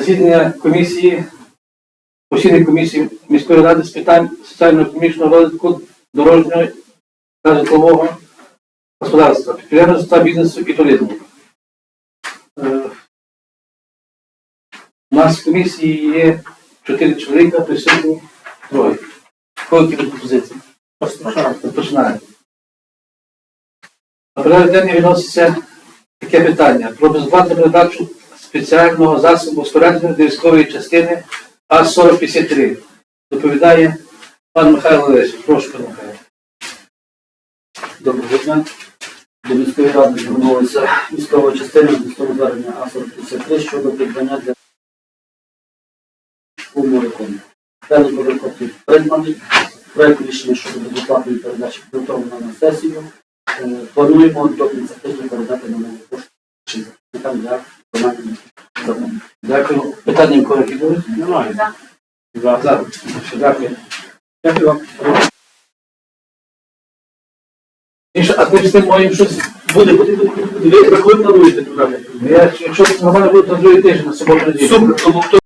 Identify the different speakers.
Speaker 1: засідання постійної комісії міської ради з питань соціально-економічного розвитку, дорожнього та житлового господарства, підприємництва, бізнесу і туризму. У нас в комісії є 4 чоловіка, присутні 3. Які будуть пропозиції? Починаємо. На порядок денний відноситься таке питання про безоплатну передачу спеціального засобу спорядження до військової частини А-4053. Доповідає пан Михайло Лесів. Прошу, пан Михайло.
Speaker 2: Доброго дня. До міської ради звернулася військова частина з звернення А-4053 щодо придбання для уморикону. Даний морикон придбаний. Проект рішення щодо безоплатної передачі підготовлено на сесію. Плануємо до кінця тижня передати на нову пошту для виконання.
Speaker 1: Дякую. Питання в кого будуть?
Speaker 2: Немає.
Speaker 1: За. Дякую.
Speaker 2: Дякую вам.
Speaker 1: А ви з тим моїм щось буде?
Speaker 2: Ви коли плануєте туди?
Speaker 1: Якщо нормально буде, то другий тиждень на суботу неділю.
Speaker 2: Супер.